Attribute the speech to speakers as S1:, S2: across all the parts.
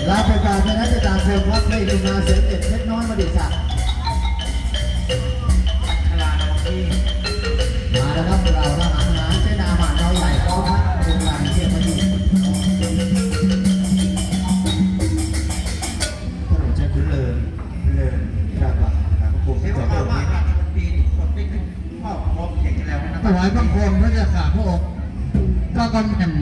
S1: ลาประกาศนะจะตามคนวัดไม่ดูนาเสียงเด็ดเล็กน้อยมาดิสักมาแล้วครับเราทหารหารเส้นอาหารเราใหญ่กองทัพโรงงานเทียบมาดีถนนใช้พื้นเลยจากว่าผมที่จะเปิดนี้ถวายบังคมพระเจ้าข่าพระองค์ก็กำแหน่ง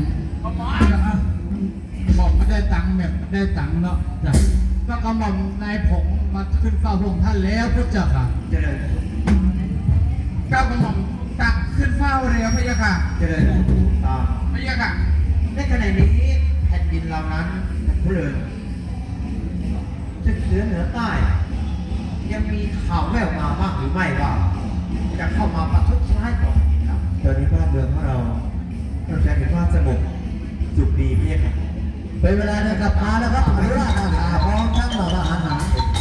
S1: บอกไม่ได้ตังค์แบบได้ตังค์เนาะจ้ะก็กำหม่อมนายผงมาขึ้นเฝ้าพระองค์ท่านแล้วพระเจ้าค่ะเจริญก้าวกระหม่อมตักขึ้นเฝ้าแล้วพระเจ้าค่ะเจริญพระเจ้าค่ะในขณะนี้แผ่นดินเรานั้นเพลินจะเหนือใต้ยังมีข่าวแว่วมาบ้างหรือไม่ว่าจะเข้ามาประทุษร้ายต่อเราตอนนี้บ้านเมืองของเราต้องใช้เป็นว่าสงบสุขดีพี่ครับเป็นเวลาในกลับมาแล้วครับอนุราชอาณาพร้อมทั้งเหล่าทหารหาร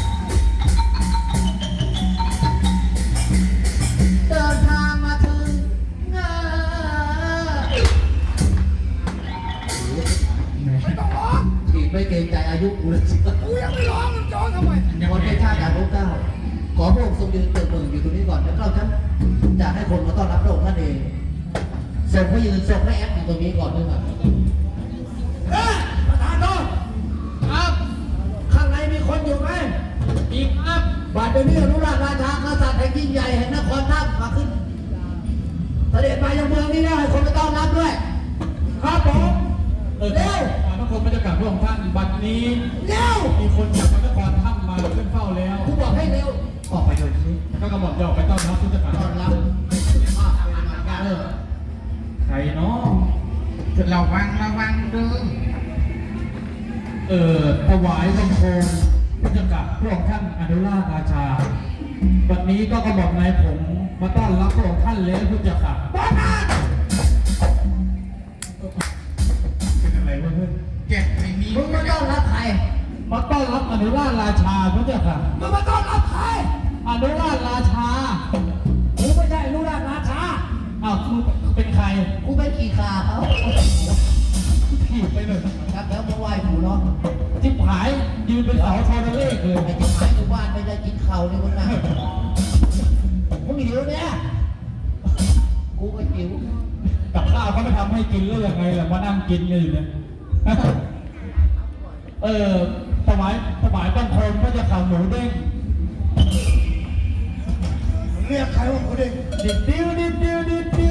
S1: เดินทางมาถึงไม่ต้องร้องฉีดไม่เกรงใจอายุกูเลยสิกูยังไม่ร้องมันจ้องทำไมคนเป็นชาติการรู้เก้าขอพระองค์ทรงยืนเติมเมืองอยู่ตรงนี้ก่อนแล้วก็ฉันจะให้คนมาต้อนรับพระองค์ท่านเองส่งพระยืนส่งพระแอปอยู่ตรงนี้ก่อนด้วยครับประธานโทษครับข้างในมีคนอยู่ไหมอีกครับบาดเดี๋ยวนี้อนุราชราชากษัตริย์แห่งยิ่งใหญ่แห่งนครท่ามาขึ้นเสด็จมายังเมืองนี้ได้ให้คนมาต้อนรับด้วยครับผมเร็วทุกคนบรรยากาศพระองค์ท่านบัดนี้เร็วมีคนจากนครท่ามาขึ้นเฝ้าแล้วผู้บอกให้เร็วออกไปโดยที่ก็กำหนดจะออกไปต้อนรับผู้จัดการต้อนรับใครเนาะจะระวังเด้อถวายบังคมผู้จัดการพระองค์ท่านอนุราชราชาวันนี้ก็กำหนดนายผมมาต้อนรับพระองค์ท่านแล้วผู้จัดการบ้านเป็นอะไรวะเพื่อนแกไม่มีมึงมาต้อนรับใครมาต้อนรับอนุราชราชาผู้จัดการมึงมาต้อนรับใครอนุราชราชากูไม่ใช่อนุราชราชาอ้าวกูเป็นใครกูเป็นขี่ขาเขาขี่ไปเลยครับแล้วมาไหว้กูเนาะจิ๊บหายยืนเป็นเสาโทรเลขเลยไอ้จิ๊บหายอยู่บ้านไม่ได้กินข้าวเลยมึงนะมึงหิวเนี่ยกูก็หิวกับข้าวเขาไม่ทำให้กินเลยยังไงล่ะมานั่งกินอยู่เนี่ยถวายบังคมก็จะข่าวหมูเด้งเรียกใครว่าหมูเด้งดิดเดียวหมูเด้ง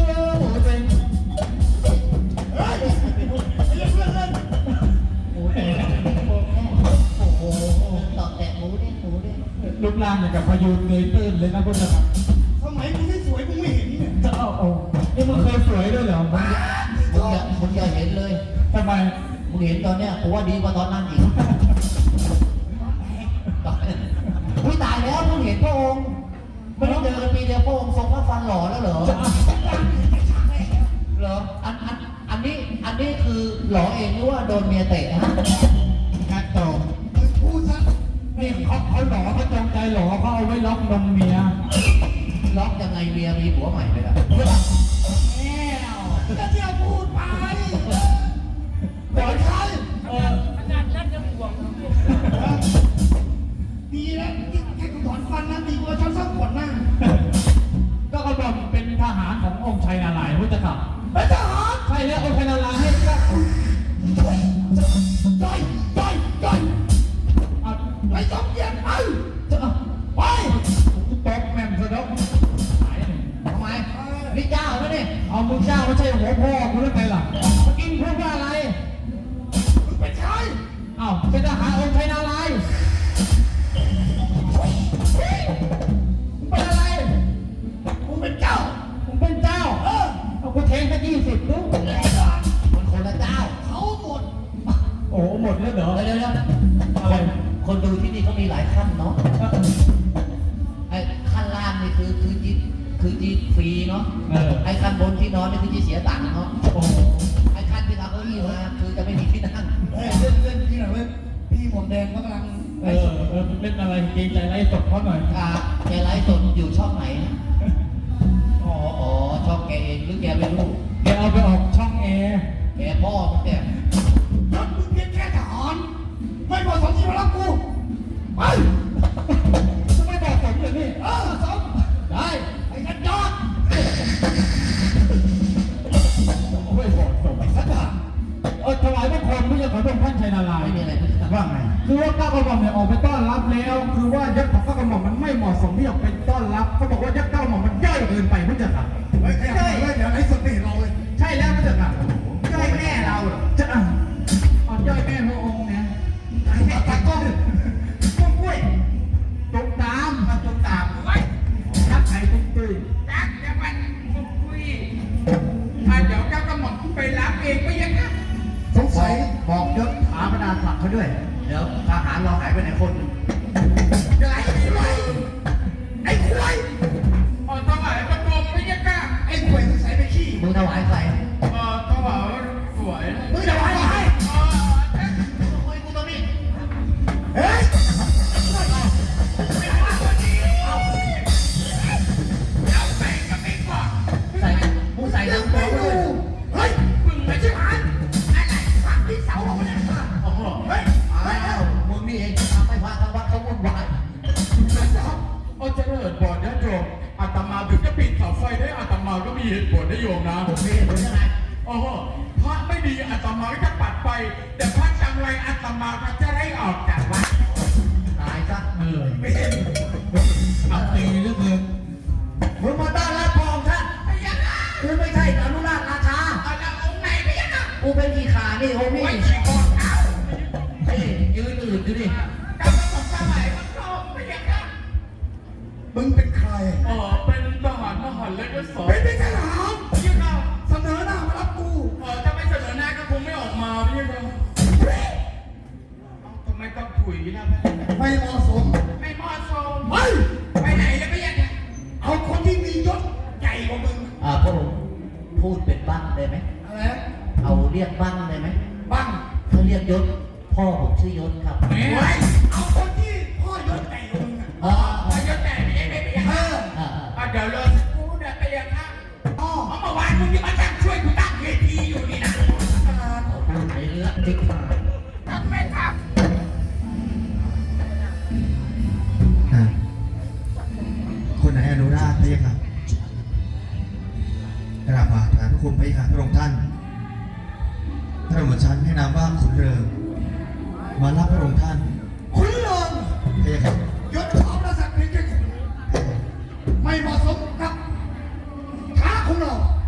S1: เฮ้ยเรียกเพื่อนเล่นหมูเด้งโอ้โหต่อแต่หมูเด้งรูปร่างอย่างกับพายุเงยตื้นเลยนะคุณนะครับสมัยมึงไม่สวยมึงไม่เห็นเนี่ยจะเอานี่มึงเคยสวยด้วยเหรอมึงอย่าเห็นเลยทำไมมึงเห็นตอนเนี้ยกูว่าดีกว่าตอนนั้นอีกอุ้ยตายแล้วมึงเห็นพระองค์ไม่ได้เจอกันปีเดียวพระองค์ทรงพระฟันหล่อแล้วเหรออันนี้คือหล่อเองหรือว่าโดนเมียเตะฮะการตอบพูดซะนี่เขาหล่อเขาจงใจหล่อเขาเอาไว้ล็อกนมเมียล็อกยังไงเมียมีผัวใหม่ไปแล้วก็เที่ยวพูดไปบอกใครอาจารย์นั่นจะห่วงดีแล้วแค่กูถอนฟันนะดีกว่าฉันสักขนหน้าก็กระบอกเป็นทหารขององค์ชัยนาลายณ์พุทธครับเป็นทหารใช่แล้วองค์ชัยนาลายณ์ให้ก็ไปสองเย็นไปตบแม่มสะดกทำไมนี่เจ้าไหมเนี่ยเอามึงเจ้าไม่ใช่หัวพ่อกูแล้วไงล่ะเมื่อกี้พูดว่าอะไรมึงเป็นใครอ้าวเป็นทหารองค์ชัยนาลายณ์เป็นอะไรกูเป็นเจ้าเอากูเทงแค่20ลูกมันคนละเจ้าเขาหมดโอ้หมดแล้วเหรอเดี๋ยวอะไรคนดูที่นี่เขามีหลายขั้นเนาะไอ้ขั้นล่างนี่คือจีฟรีเนาะไอ้ขั้นบนที่นอนนี่คือจีเสียตังค์เนาะไอ้ขั้นที่เราเก้าอี้มาคือจะไม่มีที่นั่งเล่นที่ไหนเว้ยพี่หมวกแดงก็กำลังเล่นอะไรเกรงใจไลฟ์สดเขาหน่อยแกไลฟ์สดอยู่ช่องไหนอ๋อช่องแกเองหรือแกไม่รู้แกเอาไปออกช่องแกพ่อมึงแต่มึงเป็นแค่ทหารไม่พพระองค์ท่านชัยนารายณ์
S2: ไม่มีอะไรพี่ครับ
S1: ว่าไงคือว่าก้าวกระหม่อมเนี่ยออกไปต้อนรับแล้ว คือว่ายศของก้าวกระหม่อมมันไม่เหมาะสมที่ออกไปต้อนรับเขาบอกว่ายศก้าวกระหม่อมมันย่อยเกินไปพระเจ้าค่ะ
S3: เฮ้ยขยับเลยเดี๋ยวไอ้สุดนี่เราเลย
S1: ใช่แล้วพระเจ้าค่ะย่อยแม่เราเหรอจะอ่ะอ่อนย่อยแม่พระองค์เนี่ยไอ้แม่ตะก้องกล้วยตุ๊กตามมาตุ๊กตามไว้ทักไข่ตุ๊กตุ้ย
S4: จักรวรรดิคุยเดี๋ยวเจ้าก็หม่อมไปรับเองไปยังไง
S2: สงสัยบอกยศถาบรรดาศักดิ์เขาด้วย เดี๋ยวทหารเราหายไปไหนคนหนึ่ง
S4: ไหลไหลไอ้ควายถวายประกรมไปยังไง
S3: ไอ้ป่วยใส่ไปขี้
S2: มึงถวายใคร
S4: ถวายสวย
S2: มึงถวายใคร
S4: คุยกูตรงนี้
S3: เฮ้ย
S4: เอาไปกับไม่กอด
S2: ใส่มึงใส่น้ำ
S3: ไม่
S2: ด้
S3: ดู
S2: วย
S3: เฮ้ย
S4: มึงไม่ใช่มันอะไรฟังที่เสาของมัน
S2: โอ้โห
S3: เฮ้ย
S2: อ้าวมึงนี่เองทำให้พระทางวัดเขาวุ่นวาย
S4: เจริญบอดนะโยมอาตมาถึงจะปิดเสาไฟได้อาตมาก็มีเหตุผลนะโยมนะ
S2: ผมมีเหตุผลยังไง
S4: โอ้โหพระไม่ดีอาตมาก็จะปัดไป แต่พระจังไรอาตมาก็จะได้ออกจากวัด
S2: ตายซะ
S3: ไม่เห็น
S1: เอาตีเหลือเกิน
S2: มึงมาต้อนรับพระองค์ท่าน
S4: ไปยังไง
S2: กูไม่ใช่อนุราชราชา
S4: เอาละองค์ไหนไปยังไง
S2: กูเป็นอีขานี่โอ้นี่
S4: ไว้ฉีกคอเท้า
S2: นี่ยืนอื่นอยู่ดิ
S4: กำลังสงสัยมันโตไปยังไง
S3: มึงเป็นใคร
S4: เป็นทหารมหาเล็กและสอง
S3: เป็นทหาร
S4: ยังไง
S3: เสนอหน้ามารับกู
S4: ถ้าไม่เสนอหน้าก็คงไม่ออกมาพี่ยังไงทำไมต้องถุยนะ
S3: ไม่เหมาะสม
S4: ไม่เหมาะสม
S3: เฮ้ย
S4: ไปไหนแล้วไปยังไง
S3: เอาคนที่มียศใหญ่กว่ามึง
S2: พระองค์พูดเป็นบ้างได้ไหม
S3: อะไรนะ
S2: เอาเรียกบ้างได้ไหม
S3: บ้าง
S2: เขาเรียกยศ พ่อผมชื่อยศครับ
S4: เฮ้ย
S3: เฮ้ยเอาคนที่พ่อยศใหญ่กว่ามึงอะ
S2: อ๋อ
S4: ไปยังไงไปยังไงไปยัง
S3: เอ
S4: ไง
S3: อ
S4: เดี๋ยวรอสักครู่เดี๋ยวไปยังไงอ๋อเมื่อวานมึงที่มาจังช่วยกูตั้งเวทีอยู่นี่นะ
S2: พูดในเรื่องจริง
S4: ทำไม่ท
S5: คนไหนอนุราชพระยาค่ะกราบบาทฐานพระคุณพระยาค่ะพระองค์ท่านพระองค์ชั้นให้นามว่าขุนเริงมารับพระองค์ท่าน
S3: คุณเลิง
S5: พระยาค่ะ
S3: ยศถาบรรดาศักดิ์เพียงแค่คุณไม่เหมาะสมกับท้าของเรา